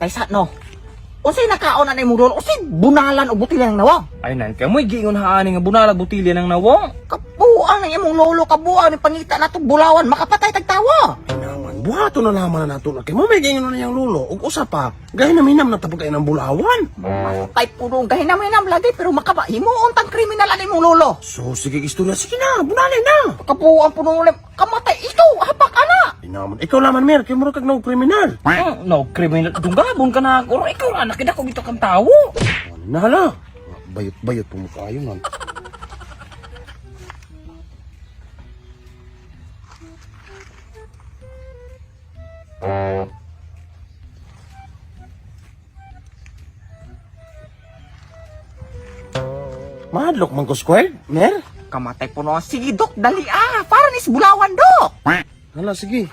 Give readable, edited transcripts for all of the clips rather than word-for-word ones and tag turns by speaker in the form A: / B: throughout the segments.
A: Taysa no. Unsay nakaon na imong lolo? Unsay bunalan o butilya ng nawong?
B: Ay nan, kamoy giingon haani nga bunalag butilya ng nawong.
A: Kabuang ng imong lolo, kabuang ni pangita na itong bulawan, makapatay tagtawa.
C: Ay naman, buhato na laman na nato na kay mo may gingon na niyang lulo. Ug usa pa, gahin na minam na tapos kayo ng bulawan.
A: Kay puno gahinam-hinam lagi, pero himuon tang kriminal ang imong lolo.
C: So sige istorya, sige na, bunalay na.
A: Kabuang puno ulit, kamatay ikaw, hapak ana.
C: Ay naman, ikaw laman mer, kay mo kag no kriminal.
B: No, kriminal. Dunggabon ka na. Or ikaw na, nakita ko dito kang tao.
C: Nahala. Bayot-bayot po mo kayo nan. Mahadlok man ko square, mer?
A: Kamatay puno, sige dok, dali para nis bulawan dok.
C: Hala, sige.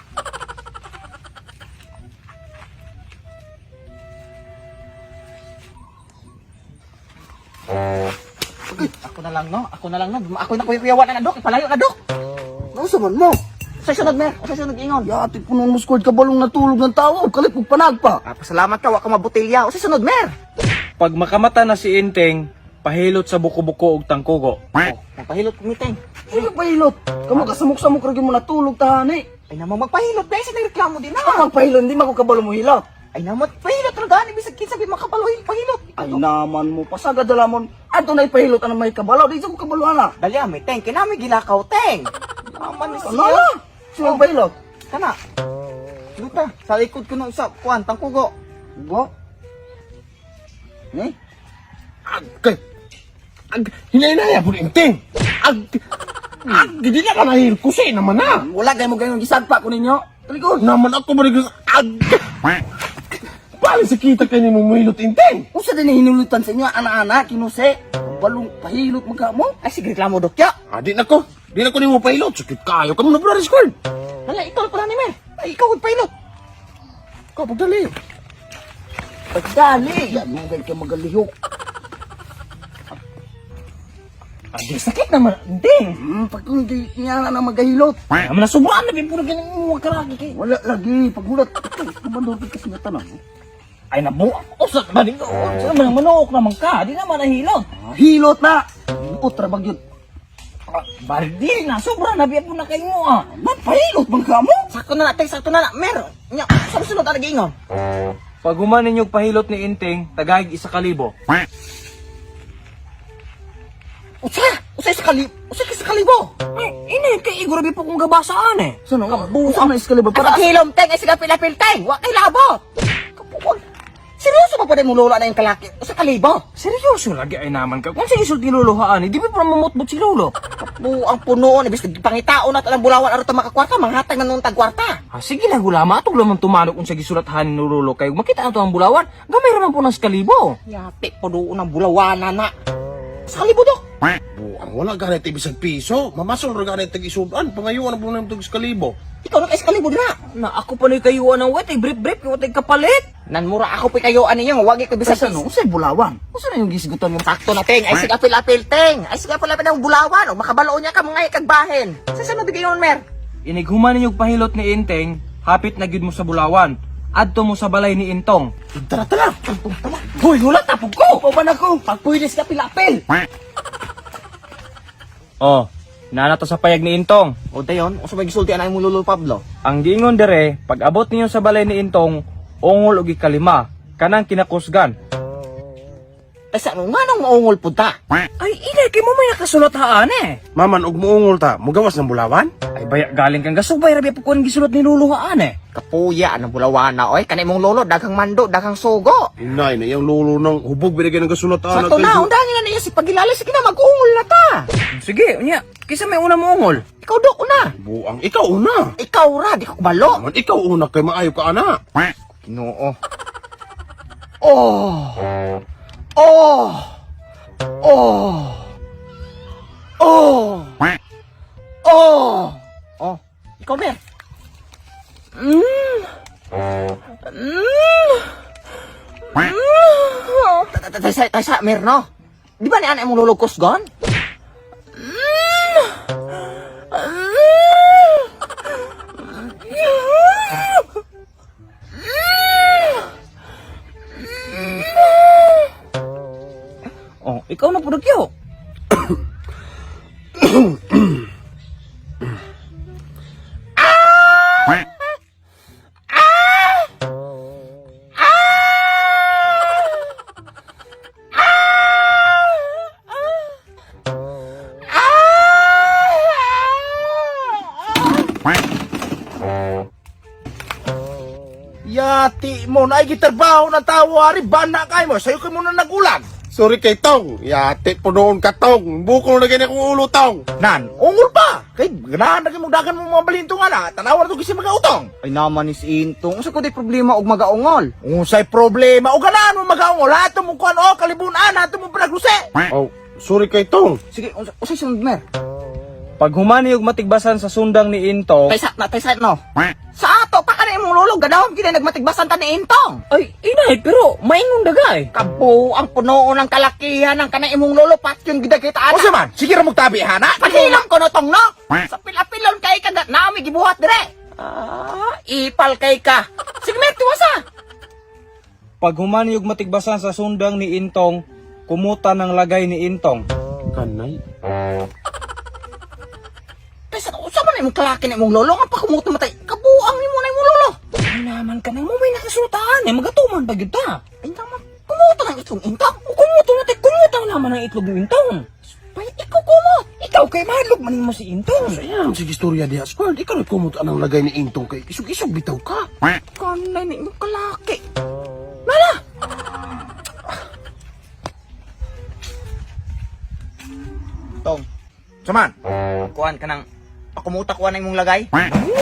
A: Ako na lang no, ako na kuyawan na dok, ipalayo na dok.
C: Nausa man mo?
A: Sa sunod mer, sa sunod ingon.
C: Yati punon mo squad kabalong natulog ng tao, kalit mo panagpa.
A: Pasalamat ka, wa ka mabutilya. O sa sunod mer.
B: Pag makamata na si Inteng, pahilot sa buko-buko ug tangkugo.
A: Magpahilot kumiteng.
C: Sige pahilot. Kamu kasamok-samok ragi mo natulog tahani.
A: Ay naman magpahilot, dahil sa nagreklamo din na.
C: Ah, pahilot, hindi mako kabalo mo hilot.
A: Ay naman, pahilot na gani, bisag kinsabi makapalohin, pahilot.
C: Ay naman mo, pasagad dalamon. Ato na ipahilot ano may kabalo, di sa ko kabalo ana.
A: Dali may teng, kinami gilakaw teng. Naman ni
C: Ano? Sino pahilot?
A: Kana. Luta, sa likod ko ng isa, kuwan, tangkugo.
C: Bo? Eh? Agkay. Hinay-hinaya po rin, ting. Hindi na ka nahil kusay naman na.
A: Wala kayo mo ganyan gisagpa ko ninyo.
C: Talikod naman ako ba rin Paano sa kita kayo ni mumilot, ting?
A: Kung sa din hinulutan sa inyo, ana-ana, kinuse. Balong pahilot magkamo. Ay, sige reklamo dokya.
C: Di na ko. Di na ko ni mo pahilot. Sakit kayo. Kamu na pala squad.
A: Hala, ikaw pala ni Mer. Ay, ikaw pahilot.
C: Ikaw, pagdali.
A: Pagdali. Yan mo ganyan ka magalihok.
B: Adi, sakit naman. Inteng.
C: Pag hindi niya na magahilot.
B: Naman na sobrang na bin puro ganyan mo karagi kay.
C: Wala lagi. Pagmulat. Kumandor ka kasi nga tanang.
B: Ay nabu. Usat ba din ko? Sa man manok naman ka, di naman nahilot.
C: Hilot na. Utra bagyot.
B: Bardi na, sobrang nabiya po na kayo mo
C: Mapahilot bang ka mo?
A: Sakto na natin, sakto na na. Mer, nya, sunod na ingon.
B: Pag humanin yung pahilot ni Inteng, tagahig 1,000.
A: Usa sa kalibo.
B: Ini kay igurabi po kong gabasaan eh.
C: Saan ang kabuang na iskalibar?
A: Para hilom teng, ay siga pilapil-teng. Wa kay labot. Kapuwag. Seryoso pa pa rin mo lola na yung kalaki? Usa kalibo.
B: Seryoso lagi ay naman ka. Kung sige sulti luluhaan, di ba pa mamutbot si lolo?
A: Ang puno, ibig pangitao na talang bulawan aro ta makakwarta, manghatag na nung tagkwarta.
B: Sige lang gulama, atog lamang tumanok kung sa gisulatahan ni lolo kayo. Makita na to ang bulawan, gamay raman po ng skalibo.
A: Yati, puno ng bulawan na. Sa kalibo dok.
C: Buang wala ganit ibisag piso. Mamasol ra ganit tag-isudan. Pangayuan na po ng tag-skalibo.
A: Ikaw na kay sa kalibo na.
B: Na ako pa na kayuan ng wet, ay brief-brief, yung watay kapalit.
A: Nanmura ako pa kayo ano yung wagi ko bisag
C: Ano? Usay bulawan.
B: Gusto na yung gisigutan mo.
A: Sakto na teng, ay siga apil teng. Ay siga apil ng bulawan o makabalo niya ka mga kagbahin. Sa sunod gayon mer.
B: Inighuman yung pahilot ni Inteng, hapit na gid mo sa bulawan. Adto mo sa balay ni Intong.
C: Tara, tara.
A: Hoy, hulat tapog ko. Pauban ako. Pagpuilis ka apil.
B: Oh, nana to sa payag ni Intong.
A: O dayon, o sa may gisulti anay mo lolo Pablo.
B: Ang giingon dire, pag abot ninyo sa balay ni Intong, ungol og ikalima, kanang kinakusgan.
A: Ay sa ano nga nang maungol punta?
B: Ay, inay, kay mo may nakasulat haan eh.
C: Maman, og muungol ta. Mugawas ng bulawan?
B: Ay, baya galing kang gasubay, rabi po kung gisulat ni Lolo haan eh.
A: Kapuya, anong bulawan na oy. Kanay mong lolo, daghang mando, daghang sugo.
C: Inay na yung lolo ng hubog binigyan ng kasulatan.
A: Sakto na, undangin na niya si Pagilali. Sige na, mag-ungol na ta.
B: Sige, unya, kisa may una mo ungol.
A: Ikaw do, una.
C: Buang, ikaw una.
A: Ikaw ra, di ko balo.
C: Maman, ikaw una kay maayo ka ana.
A: Ginoo. Oh. Oh. Oh. Oh. Oh. Oh. Ikaw, Mer. Taysa, Mer, no? Di ba ni anak mong lulugkos gon? Ikaw na pudagyo.
C: Yati mo na ay gitrabaho ng tawa, ari bana kay mo, sayo ka muna nagulag. Sorry kay Tong, yati po noon ka Tong, bukol na ganyan kong ulo Tong.
A: Nan, ungol pa. Kay ganahan na mong dagan mo mga balintong ana. Tanawa na to kasi magautong. Ay naman is intong. Unsa ko di problema og magaungol?
C: Unsay problema, o ganahan mo magaungol, hato mo kuhan o kalibunan, hato mo panagluse. Oh, sorry kay Tong.
A: Sige, unsay sunod mer?
B: Pag humani og matigbasan sa sundang ni Intong,
A: Taysa no. Sa ato pa kanay mong lolo gadawon gid nagmatigbasan ta ni Intong.
B: ay inay pero maingon dagay.
A: Kabo ang puno ng kalakihan ng kanay imong lolo pat yung gidagita ana.
C: O sa man, sige ra magtabi hana.
A: Pahilam ko no tong no. Sa pilapilon kay ka naami gibuhat dire. Ipal kay ka. Sige mer tiwasa.
B: Pag humani og matigbasan sa sundang ni Intong, kumuta ng lagay ni Intong.
C: Kanay.
A: Taysa usa man imong kalaki na imong lolo nga pakumuto matay. Kabuang nimo na imong lolo.
B: Ay naman ka nang mo may nakasultaan eh, magatuman ba gyud ta?
A: Ay naman kumuto ng itong Intong.
B: Kumuto na tay, kumutang naman ang itlog ni Intong.
A: Pay ikaw kumot.
B: Ikaw kay mahadlok man mo si Intong.
C: Ayan, sige istorya diha, squad. Ikaw na kumot anang lagay ni Intong kay isog-isog bitaw ka.
A: Kanay na imong kalaki. Nana. Tong. Saman. Kuan ka nang pakumuta kuan na imong lagay.